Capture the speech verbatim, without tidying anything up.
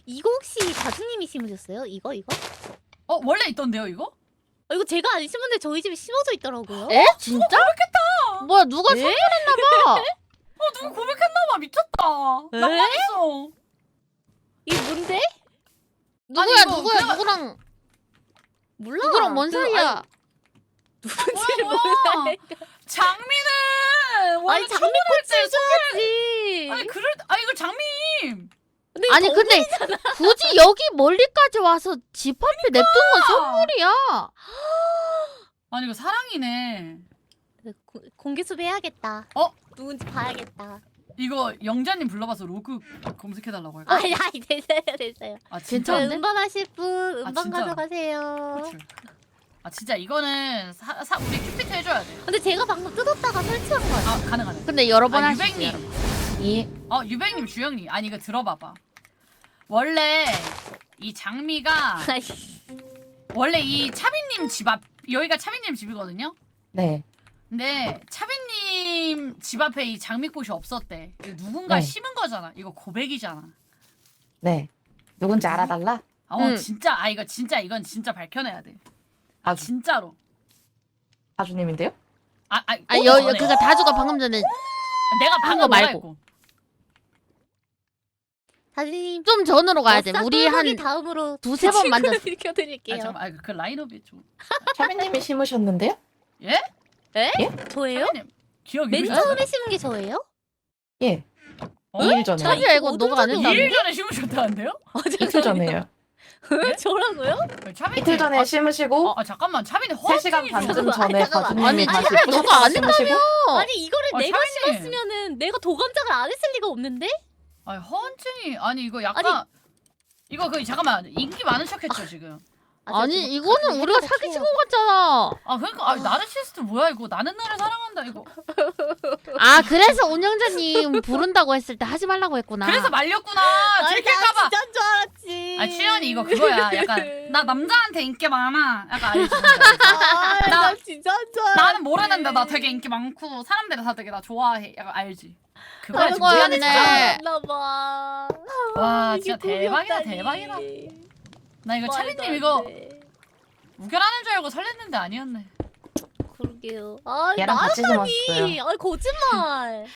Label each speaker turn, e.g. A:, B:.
A: 이거 혹시 다주님이 심으셨어요? 이거 이거?
B: 어 원래 있던데요 이거?
A: 어, 이거 제가 안 심었는데 저희 집에 심어져 있더라고요.
C: 에? 진짜?
B: 고백했다.
C: 뭐야 누가
A: 에?
C: 선물했나봐.
B: 어 누구 고백했나봐. 미쳤다.
A: 에?
B: 낭만있어.
A: 이게 뭔데?
C: 누구야
B: 이거
C: 누구야
B: 그냥-
C: 누구랑
A: 몰라.
C: 누구랑 뭔
A: 그,
C: 사이야?
A: 아니, 누군지를
B: 뭐야,
A: 몰라.
B: 뭐야. 장미는 원래
A: 아니 장미꽃을 줘야지.
B: 아니 그럴 아 이거 장미.
A: 근데 이거
C: 아니
A: 더-
C: 근데 굳이 여기 멀리까지 와서 집 앞에 냅둔 건 선물이야.
B: 아니 이거 사랑이네.
A: 고- 공개 수배해야겠다.
B: 어?
A: 누군지 봐야겠다.
B: 이거 영자님 불러봐서 로그 검색해달라고 할까?
A: 아니 아니 됐어요 됐어요.
B: 아
A: 저
B: 진짜?
C: 괜찮은데?
A: 음반하실 분 음반
B: 진짜로?
A: 가져가세요.
B: 그치. 아 진짜 이거는 사, 사 우리 큐피트 해줘야 돼.
A: 근데 제가 방금 뜯었다가 설치한 거예요.
B: 아 가능하네.
C: 근데 여러 번
B: 아
C: 할 수 있어.
B: 유백님.
C: 이
B: 어 유백님 주영님. 아니 이거 들어봐봐. 원래 이 장미가
A: 아니,
B: 원래 이 차비님 집 앞 여기가 차비님 집이거든요.
D: 네.
B: 근데 차비님 집 앞에 이 장미꽃이 없었대. 이거 누군가
D: 네.
B: 심은 거잖아. 이거 고백이잖아.
D: 네. 누군지 알아달라?
B: 어
C: 응.
B: 진짜 아 이거 진짜 이건 진짜 밝혀내야 돼. 아
D: 아주
B: 진짜로.
D: 다주님인데요?
B: 아, 아,
C: 아
B: 어,
C: 여
B: 전에.
C: 그니까 다주가 방금 전에
B: 내가
C: 한
B: 방금
C: 거
B: 뭐라
C: 말고.
B: 했고.
A: 다주님
C: 좀 전으로 가야 돼. 우리 한
A: 다음으로
C: 두세 번 만졌어.
B: 아
A: 읽혀드릴게요.
B: 잠깐, 아, 그 라인업이 좀.
D: 차비님이 심으셨는데요?
B: 예?
A: 저예요?
B: 차비님 기억이
A: 맨
B: 왜
A: 처음에 심은 게 저예요?
D: 예.
B: 어?
D: 이 일 전에.
C: 차비야 이거
A: 어떤
C: 너가 안
A: 적이
C: 했다.
B: 이 일 전에 심으셨다는데요?
A: 아,
D: 이틀 전에요.
A: 왜 저라고요?
B: 차비님.
D: 이틀 전에
B: 아,
D: 심으시고
B: 아, 아 잠깐만 차비님
D: 세 시간
B: 허언증이
D: 반쯤
B: 좀-
D: 전에
A: 잠깐만.
D: 다주님이
C: 아니,
D: 다시
C: 차비야,
D: 예쁘셔서
C: 너가 안
D: 심으시고
A: 아니 이거를
B: 어,
A: 내가
B: 차비님.
A: 심었으면은 내가 도감장을 안 했을 리가 없는데?
B: 아니 허언증이 아니 이거 약간 이거 그 잠깐만 인기 많은 척했죠 지금.
A: 아,
C: 아니
A: 제가 좀
C: 이거는
A: 가끔
C: 우리가
A: 생각을
C: 사기친
A: 해요.
C: 것 같잖아.
B: 아 그러니까 아 나르시스트 뭐야 이거 나는 나를 사랑한다 이거.
C: 아 그래서 운영자님 부른다고 했을 때 하지 말라고 했구나.
B: 그래서 말렸구나.
A: 아니, 나
B: 들킬까봐.
A: 진짜인 줄 알았지.
B: 아 취현이 이거 그거야. 약간 나 남자한테 인기 많아. 약간 알지?
A: 아, 나,
B: 나-
A: 진짜인 줄 알았지.
B: 나는 모르는데 나 되게 인기 많고 사람들이 다 되게 나 좋아해. 약간 알지? 그거야
C: 그런
B: 지금 우리한테
C: 거였네.
B: 잘하는
A: 나봐.
B: 거야. 와
A: 이게
B: 진짜 대박이다
A: 꿈이었다니.
B: 대박이다. 나 이거
A: 말도
B: 차비님
A: 안
B: 이거
A: 돼.
B: 우결하는 줄 알고 설렜는데 아니었네.
A: 그러게요. 아,
D: 얘랑 같이
A: 나였다니.
D: 심었어요.
A: 아니 거짓말.